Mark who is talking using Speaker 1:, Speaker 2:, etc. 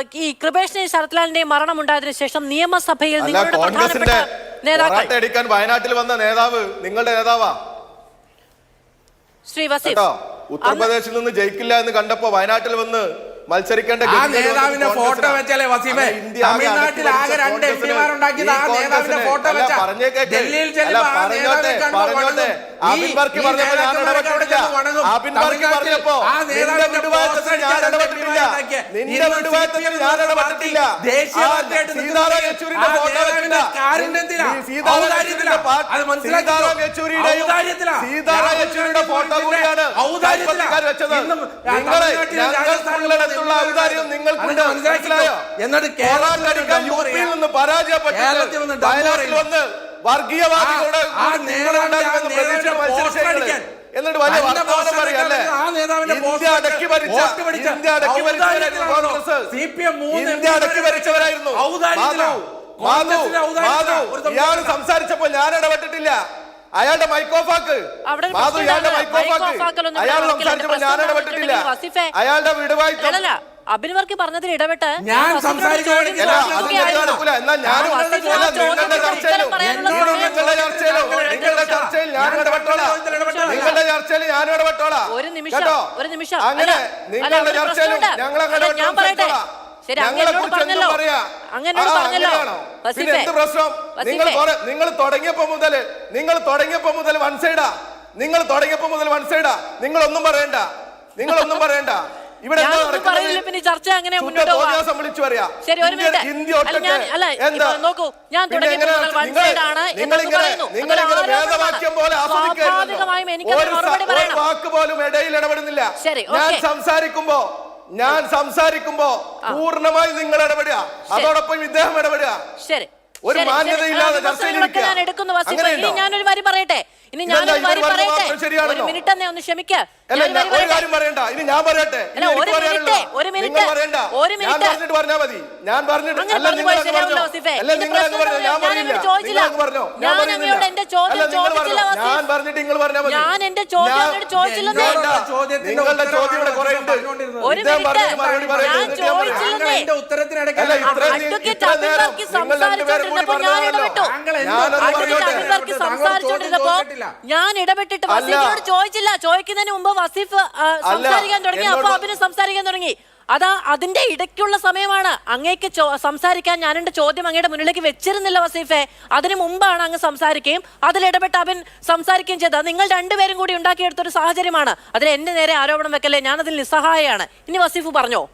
Speaker 1: ഈ കൃപേഷിന്റെയും ശരത്ലാലിന്റെയും മരണം ഉണ്ടായതിനു ശേഷം നിയമസഭയിൽ നിങ്ങളുടെ പ്രധാനപ്പെട്ട നേതാക്കൾ
Speaker 2: വയനാട്ടിൽ വന്ന നേതാവ് നിങ്ങളുടെ നേതാവാ
Speaker 1: ശ്രീ വസീഫ്
Speaker 2: ഉത്തർപ്രദേശിൽ നിന്ന് ജയിക്കില്ല എന്ന് കണ്ടപ്പോ വയനാട്ടിൽ വന്ന് മത്സരിക്കേണ്ട
Speaker 3: നേതാവിന്റെ ഫോട്ടോ വെച്ചാലേ വസീഫെ തമിഴ്നാട്ടിൽ ആകെ 2 എംപിമാരുണ്ടാക്കിയത് ആ നേതാവിന്റെ ഫോട്ടോ വെച്ചാ ഡൽഹിയിൽ
Speaker 2: വർഗീയവാദികളുടെ എന്നിട്ട് വലിയ വർത്തമാനം പറയല്ലേ ഇന്ത്യ അടക്കി ഭരിച്ചവരായിരുന്നു ഇയാൾ സംസാരിച്ചപ്പോൾ ഞാൻ ഇടപെട്ടിട്ടില്ല അയാളുടെ മൈക്കോഫാക്ക് അയാൾ സംസാരിച്ചപ്പോൾ ഞാൻ ഇടപെട്ടിട്ടില്ല അയാളുടെ വിടുവായിട്ടല്ല
Speaker 1: അബിൻ വർക്കി പറഞ്ഞതിൽ ഇടപെട്ട്
Speaker 3: ഞാൻ സംസാരിച്ചു
Speaker 1: ഒരു നിമിഷം അങ്ങനെ ഞാൻ പറയട്ടെ ശരി അങ്ങനോട് പറഞ്ഞല്ലോ
Speaker 2: നിങ്ങൾ തുടങ്ങിയപ്പോ മുതൽ വൺ സൈഡാ നിങ്ങളൊന്നും പറയണ്ട ഇവിടെ
Speaker 1: ചർച്ച അങ്ങനെ സ്വാഭാവികമായും എനിക്ക്
Speaker 2: വാക്ക് പോലും ഇടയിൽ ഇടപെടുന്നില്ല ഞാൻ സംസാരിക്കുമ്പോ പൂർണ്ണമായി നിങ്ങൾ ഇടപെടുക അതോടൊപ്പം ഇദ്ദേഹം ഇടപെടുക
Speaker 1: ശരി
Speaker 2: ഒരു മാന്യതയില്ലാതെ
Speaker 1: ഞാൻ എടുക്കുന്നു ഞാനൊരു വരി പറയട്ടെ ഒരു മിനിറ്റ് തന്നെ ഒന്ന് ക്ഷമിക്ക
Speaker 2: ഒരു കാര്യം പറയണ്ട ഇനി ഞാൻ പറയട്ടെ
Speaker 1: ഒരു മിനിറ്റ്
Speaker 2: പറഞ്ഞാൽ മതി ഞാൻ
Speaker 1: എന്റെ ചോദ്യം ചോദിച്ചില്ലെന്നേ ഞാൻ ഇടപെട്ടിട്ട് വസീഫിനോട് ചോദിച്ചില്ല ചോദിക്കുന്നതിന് മുമ്പ് വസീഫ് സംസാരിക്കാൻ തുടങ്ങി അപ്പൊ അഭിന് സംസാരിക്കാൻ തുടങ്ങി അതാ അതിന്റെ ഇടയ്ക്കുള്ള സമയമാണ് അങ്ങേക്ക് സംസാരിക്കാൻ ഞാൻ എന്റെ ചോദ്യം അങ്ങയുടെ മുന്നിലേക്ക് വെച്ചിരുന്നില്ല വസീഫെ അതിനു മുമ്പാണ് അങ്ങ് സംസാരിക്കുകയും അതിലിടപെട്ട് അഭിൻ സംസാരിക്കുകയും ചെയ്തത് നിങ്ങൾ രണ്ടുപേരും കൂടി ഉണ്ടാക്കിയെടുത്തൊരു സാഹചര്യമാണ് അതിൽ എന്റെ നേരെ ആരോപണം വെക്കല്ലേ ഞാനതിൽ നിസ്സഹായമാണ് ഇനി വസീഫ് പറഞ്ഞോ